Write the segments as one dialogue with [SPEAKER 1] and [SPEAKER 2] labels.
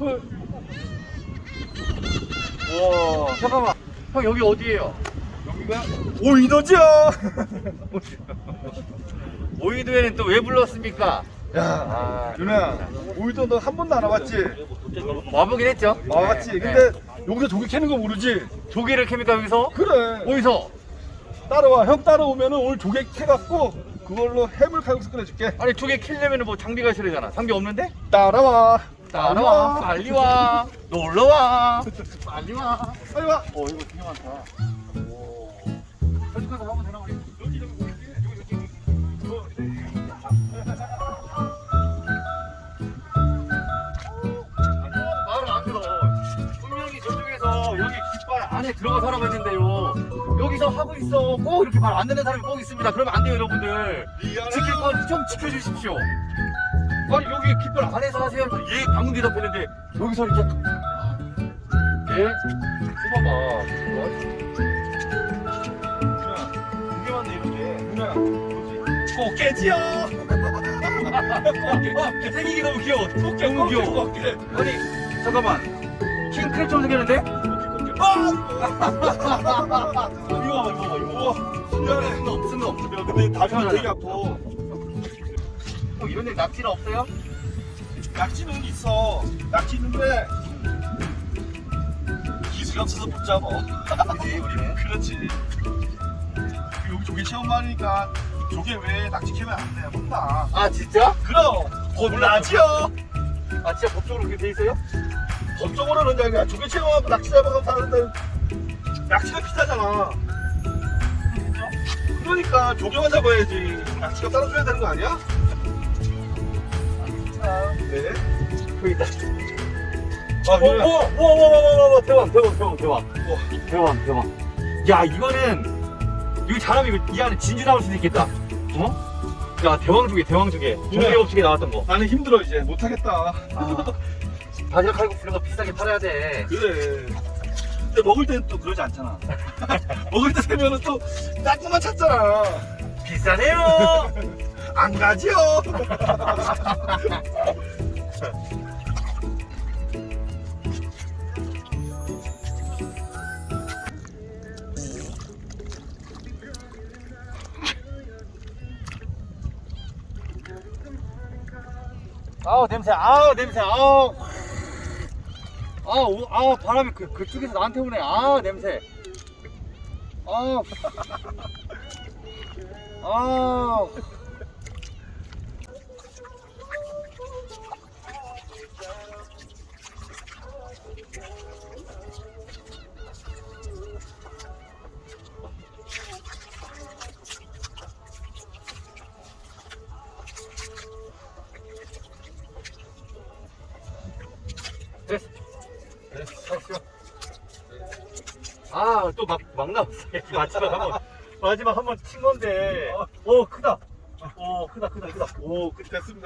[SPEAKER 1] 헐. 와, 잠깐만. 형 여기 어디예요?
[SPEAKER 2] 여기가 오이도죠.
[SPEAKER 1] 오이도에는 또 왜 불렀습니까?
[SPEAKER 2] 야, 윤아야, 오이도 너 한 번도 안 와봤지?
[SPEAKER 1] 와보긴 했죠.
[SPEAKER 2] 와봤지.
[SPEAKER 1] 네,
[SPEAKER 2] 근데
[SPEAKER 1] 네.
[SPEAKER 2] 여기서 조개 캐는 거 모르지?
[SPEAKER 1] 조개를 캡니까 여기서?
[SPEAKER 2] 그래.
[SPEAKER 1] 어디서?
[SPEAKER 2] 따라와. 형 따라오면은 오늘 조개 캐갖고 그걸로 해물 칼국수 끓여줄게.
[SPEAKER 1] 아니 조개 킬려면 뭐 장비가 있어야 되잖아. 장비 없는데?
[SPEAKER 2] 따라와.
[SPEAKER 1] 따라와. 빨리 와. 놀러 와. 빨리 와.
[SPEAKER 2] 빨리 와.
[SPEAKER 1] 이거 되게 많다. 오. 솔직해서 하면 되나 우리? 말을 안 들어. 분명히 저쪽에서 여기 깃발 안에 들어가서 하라고 했는데요. 여기서 하고 있어. 꼭 이렇게 말 안 듣는 사람이 꼭 있습니다. 그러면 안 돼요, 여러분들. 지킬 건 좀 지켜주십시오. 아니 여기 깃발 안에서 하세요. 예, 방금 대답했는데 여기서 이렇게 예? 뽑아봐.
[SPEAKER 2] 이게 맞네 이렇게. 윤아야, 뭐지? 꽃게지요.
[SPEAKER 1] 생기기 너무 귀여워.
[SPEAKER 2] 꽃게,
[SPEAKER 1] 너무 귀여워.
[SPEAKER 2] 꽃게.
[SPEAKER 1] 아니 잠깐만. 킹 크랩처럼 생겼는데?
[SPEAKER 2] 아!
[SPEAKER 1] 이거 봐봐, 이거 봐봐, 이거 봐봐.
[SPEAKER 2] 미안해.
[SPEAKER 1] 쓴 놈.
[SPEAKER 2] 야, 근데 다리가 되게 아파.
[SPEAKER 1] 형 이런 데 낙지는 없어요?
[SPEAKER 2] 낙지는 있어. 낙지 있는데 기술이 없어서 못 잡아.
[SPEAKER 1] 그지 우리는.
[SPEAKER 2] 그렇지. 여기 조개 체험하니까 조개 왜 낙지 캐면 안 돼? 혼나.
[SPEAKER 1] 아 진짜?
[SPEAKER 2] 그럼 혼나지요.
[SPEAKER 1] 아 진짜 법적으로 그렇게 돼 있어요?
[SPEAKER 2] 법적으로는 그냥 조개 체험하고 낙지 잡아가면 다른데 낙지가 비싸잖아. 그러니까 조개만 잡아야지. 낙지가 따로 줘야 되는 거 아니야? 아, 네.
[SPEAKER 1] 여기 있다.
[SPEAKER 2] 아, 그래.
[SPEAKER 1] 와 대박.
[SPEAKER 2] 우와.
[SPEAKER 1] 대박. 야 이거는 이거 잘하면 이거 이 안에 진주 나올 수도 있겠다. 어? 야 대왕조개. 조개 업체에 나왔던 거.
[SPEAKER 2] 나는 힘들어 이제 못하겠다.
[SPEAKER 1] 바지락 칼국수 이런 거 비싸게 팔아야 돼.
[SPEAKER 2] 그래. 근데 먹을 때는 또 그러지 않잖아. 먹을 때 되면은 또 짝꿍만 찾잖아.
[SPEAKER 1] 비싸네요.
[SPEAKER 2] 안 가지요.
[SPEAKER 1] 아우 냄새. 바람이 그쪽에서 나한테 오네. 냄새. 됐어. 또 막 나왔어. 마지막 한번 친 건데. 크다. 크다.
[SPEAKER 2] 됐습니다.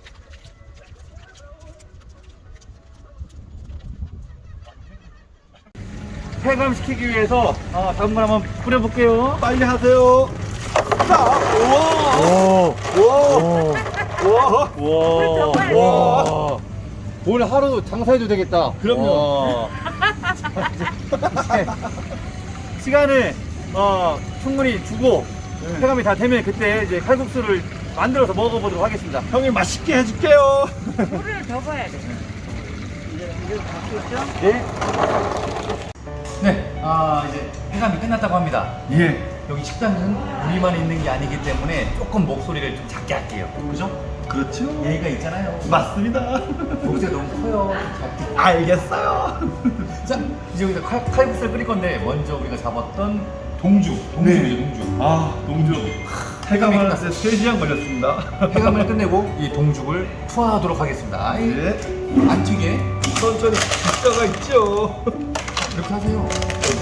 [SPEAKER 1] 폐감시키기 위해서 당분 한번 뿌려볼게요.
[SPEAKER 2] 빨리 하세요. 자, 우와.
[SPEAKER 1] 와. 오늘 하루 장사해도 되겠다.
[SPEAKER 2] 그럼요.
[SPEAKER 1] 시간을 충분히 주고 폐감이 다 되면 그때 이제 칼국수를 만들어서 먹어보도록 하겠습니다.
[SPEAKER 2] 형이 맛있게 해줄게요.
[SPEAKER 3] 물을 더 봐야 돼. 이제 바뀌었죠?
[SPEAKER 1] 네. 네, 이제 폐감이 끝났다고 합니다.
[SPEAKER 2] 예.
[SPEAKER 1] 여기 식당은 우리만 있는 게 아니기 때문에 조금 목소리를 좀 작게 할게요. 그죠?
[SPEAKER 2] 그렇죠.
[SPEAKER 1] 예의가 있잖아요.
[SPEAKER 2] 맞습니다.
[SPEAKER 1] 목소리가 너무 커요. 작게.
[SPEAKER 2] 알겠어요.
[SPEAKER 1] 자, 이제 여기서 칼국수를 끓일 건데 먼저 우리가 잡았던 동주죠, 동주.
[SPEAKER 2] 동주.
[SPEAKER 1] 폐감이
[SPEAKER 2] 해감하는데
[SPEAKER 1] 끝났어요.
[SPEAKER 2] 3시간 걸렸습니다.
[SPEAKER 1] 폐감을 끝내고 이 동죽을 투하하도록 하겠습니다.
[SPEAKER 2] 네.
[SPEAKER 1] 안 튀게
[SPEAKER 2] 천천히 기가가 있죠.
[SPEAKER 1] 이렇게 하세요.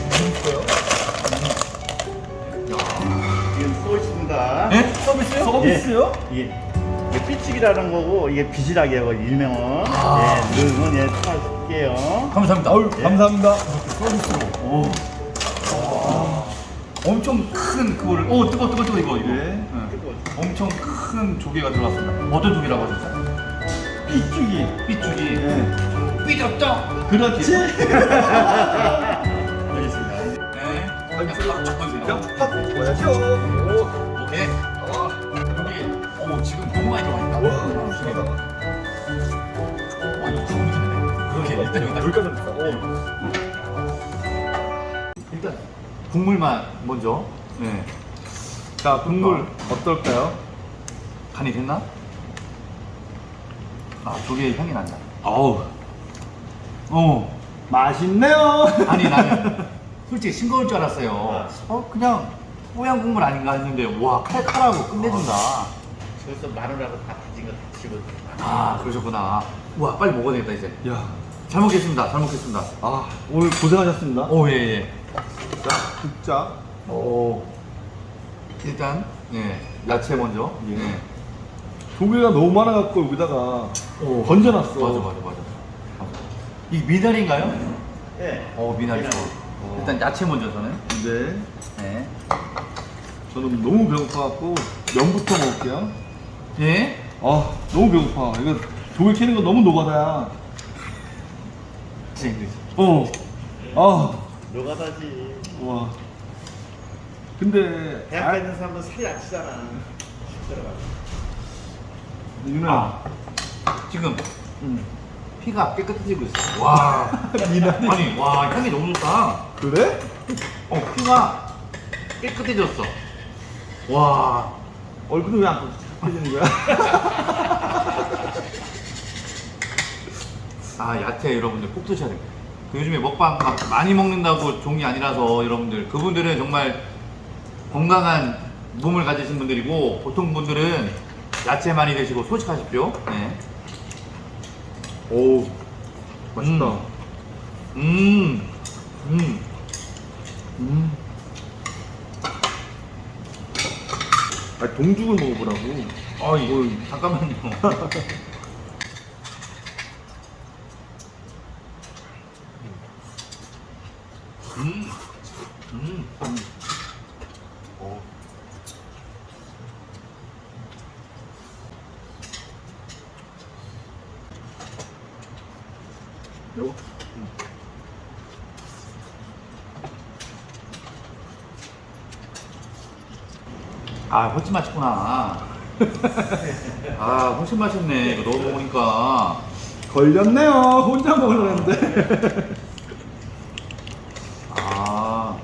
[SPEAKER 4] 이건 서비스입니다.
[SPEAKER 1] 네? 서비스요?
[SPEAKER 2] 서비스요?
[SPEAKER 4] 이게 삐치기라는 거고 이게 비지락이에요. 일명은. 능은 추가할게요.
[SPEAKER 1] 감사합니다.
[SPEAKER 4] 예.
[SPEAKER 2] 감사합니다.
[SPEAKER 1] 서비스로. 엄청 큰 그거를 뜨거 이거.
[SPEAKER 2] 네.
[SPEAKER 1] 네. 엄청 큰 조개가 들어갔습니다. 어떤 조개라고 하셨죠?
[SPEAKER 2] 삐죽이.
[SPEAKER 1] 삐죽이.
[SPEAKER 2] 네.
[SPEAKER 1] 삐졌죠?
[SPEAKER 4] 그렇지.
[SPEAKER 1] 네.
[SPEAKER 2] 아니,
[SPEAKER 1] 그냥 바로 첫
[SPEAKER 2] 그냥
[SPEAKER 1] 번째요.
[SPEAKER 2] 팍 먹어야죠. 오.
[SPEAKER 1] 오케이. 여기, 어머, 지금 너무 많이 들어가 있다.
[SPEAKER 2] 와, 시원하다.
[SPEAKER 1] 와, 이거 가만히 있네. 그러게, 일단 여기다.
[SPEAKER 2] 여기까지 됐다. 오.
[SPEAKER 1] 일단, 국물만 먼저. 네.
[SPEAKER 2] 자, 국물 어떨까요?
[SPEAKER 1] 간이 됐나? 아, 조개의 향이 난다.
[SPEAKER 2] 아우,
[SPEAKER 4] 맛있네요.
[SPEAKER 1] 아니, 나는 솔직히 싱거울 줄 알았어요. 그냥 뽀얀 국물 아닌가 했는데, 와, 칼칼하고 끝내준다.
[SPEAKER 4] 그래서 마늘하고 다 다진 거 같이
[SPEAKER 1] 아, 그러셨구나. 우와, 빨리 먹어야 되겠다, 이제.
[SPEAKER 2] 야,
[SPEAKER 1] 잘 먹겠습니다. 잘 먹겠습니다.
[SPEAKER 2] 아, 오늘 고생하셨습니다.
[SPEAKER 1] 오, 예, 예.
[SPEAKER 2] 자, 국자.
[SPEAKER 1] 오. 일단, 예, 야채 먼저.
[SPEAKER 2] 예. 조개가 너무 많아갖고 여기다가
[SPEAKER 1] 오.
[SPEAKER 2] 건져놨어.
[SPEAKER 1] 맞아. 이 미나리인가요?
[SPEAKER 4] 네.
[SPEAKER 1] 미나리. 일단 야채 먼저 저는.
[SPEAKER 2] 네.
[SPEAKER 1] 네.
[SPEAKER 2] 저는 너무 배고파갖고 면부터 먹을게요.
[SPEAKER 1] 예?
[SPEAKER 2] 아, 너무 배고파. 이거 조개 캐는 거 너무 노가다야.
[SPEAKER 1] 진짜 힘들지.
[SPEAKER 2] 아,
[SPEAKER 4] 노가다지.
[SPEAKER 2] 와. 근데
[SPEAKER 4] 대학 가 있는 사람은 살이 안 찌잖아. 들어가.
[SPEAKER 2] 윤아.
[SPEAKER 1] 지금
[SPEAKER 2] 응.
[SPEAKER 1] 피가 깨끗해지고 있어. 와.
[SPEAKER 2] 미나리.
[SPEAKER 1] 아니, 와, 향이 너무 좋다.
[SPEAKER 2] 그래?
[SPEAKER 1] 피가 깨끗해졌어. 와.
[SPEAKER 2] 얼굴은 왜 안 깨지는 거야?
[SPEAKER 1] 아, 야채 여러분들 꼭 드셔야 돼요. 그 요즘에 먹방 막 많이 먹는다고 종이 아니라서 여러분들, 그분들은 정말 건강한 몸을 가지신 분들이고, 보통 분들은 야채 많이 드시고 소식하십시오. 네.
[SPEAKER 2] 오, 맛있다. 아, 동죽을 먹어보라고.
[SPEAKER 1] 이거 잠깐만요.
[SPEAKER 2] 요거.
[SPEAKER 1] 아, 훨씬 맛있구나. 아, 훨씬 맛있네. 이거 넣어 먹으니까.
[SPEAKER 2] 걸렸네요. 혼자 먹으려는데.
[SPEAKER 1] 아.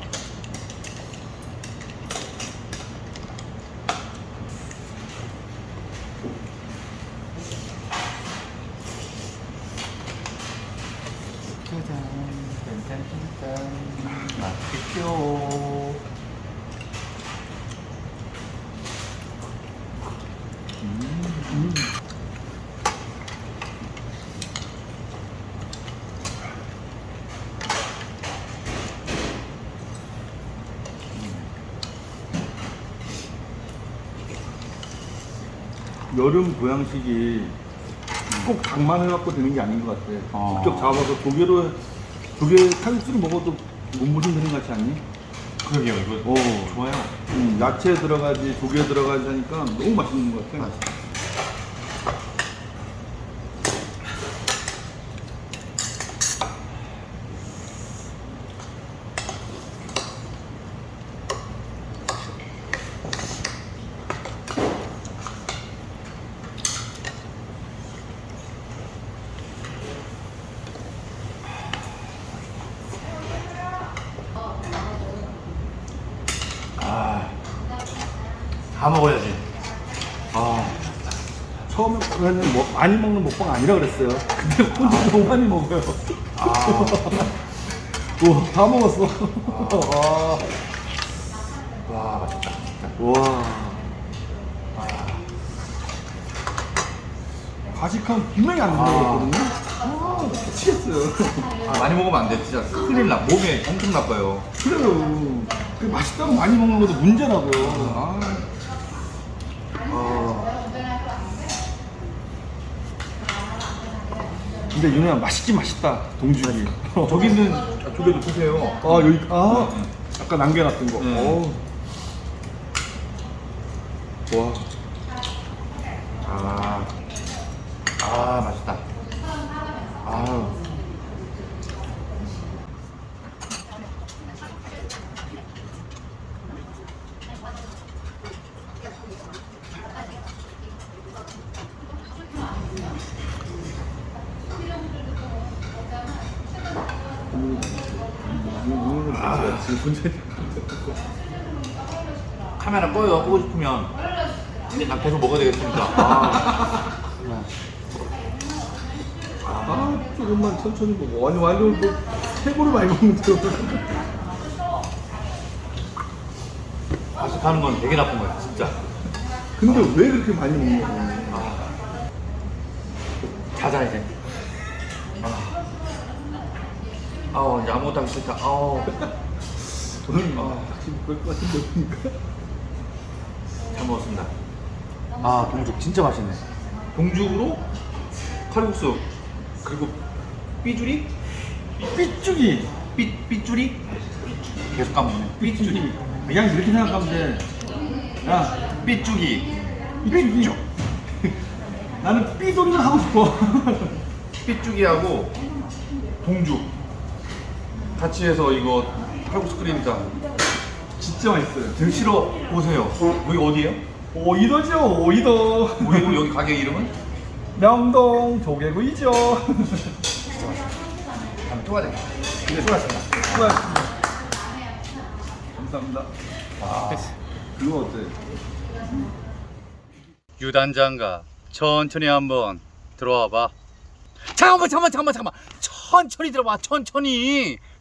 [SPEAKER 1] 짠. 맛있겠죠.
[SPEAKER 2] 여름 보양식이 꼭 닭만 해갖고 되는 게 아닌 것 같아. 직접 잡아서 조개 칼국수를 먹어도 몸무심 되는 것 같지 않니?
[SPEAKER 1] 그러게요. 이거 좋아요.
[SPEAKER 2] 야채 들어가지, 조개 들어가지 하니까 너무 맛있는 것 같아.
[SPEAKER 1] 다 먹어야지.
[SPEAKER 2] 처음에는 많이 먹는 먹방 아니라 그랬어요. 근데 혼자 너무 많이 먹어요. 우와, 다 먹었어.
[SPEAKER 1] 와, 맛있다.
[SPEAKER 2] 와. 과식하면 분명히 안 된다고 했거든요. 미치겠어요.
[SPEAKER 1] 많이 먹으면 안 돼. 진짜 큰일 나. 몸에 엄청 나빠요.
[SPEAKER 2] 그래요. 그 맛있다고 많이 먹는 것도 문제라고요. 근데 윤호야 맛있긴 맛있다. 동죽이.
[SPEAKER 1] 저기 있는 조개도 드세요.
[SPEAKER 2] 여기 아까 남겨놨던 거.
[SPEAKER 1] 네.
[SPEAKER 2] 와.
[SPEAKER 1] 맛있다.
[SPEAKER 2] 지금 문제.
[SPEAKER 1] 카메라 꺼요. 끄고 싶으면 이제 난 계속 먹어야 되겠습니다.
[SPEAKER 2] 조금만 천천히 먹어. 아니 완전 뭐 최고로 많이 먹는데요.
[SPEAKER 1] 과식하는 건 되게 나쁜 거야, 진짜.
[SPEAKER 2] 근데 왜 그렇게 많이 먹냐고.
[SPEAKER 1] 자자 이제. 이제 아무것도 하기 싫다.
[SPEAKER 2] 저는 지금 그럴 것 같은데 보니까.
[SPEAKER 1] 잘 먹었습니다. 동죽 진짜 맛있네. 동죽으로 칼국수 그리고 삐주리?
[SPEAKER 2] 삐죽이.
[SPEAKER 1] 삐쭈리? 계속 까먹네. 삐쭈리.
[SPEAKER 2] 그냥 이렇게 생각하면 돼. 야,
[SPEAKER 1] 삐쭈기.
[SPEAKER 2] 삐죽이. 나는 삐소리를 하고 싶어.
[SPEAKER 1] 삐쭈기하고 동죽 같이 해서 이거 칼국수 끓이니까
[SPEAKER 2] 진짜 맛있어요.
[SPEAKER 1] 드시러 오세요. 여기 어디예요?
[SPEAKER 2] 오이도죠, 오이도.
[SPEAKER 1] 우리 여기 가게 이름은?
[SPEAKER 2] 명동 조개구이죠.
[SPEAKER 1] 다음에 또 가야 되겠다. 근데 수고하셨습니다.
[SPEAKER 2] 수고하셨습니다. 감사합니다. 그거 어때?
[SPEAKER 1] 유단장가 천천히 한번 들어와 봐. 잠깐만. 천천히 들어봐. 천천히.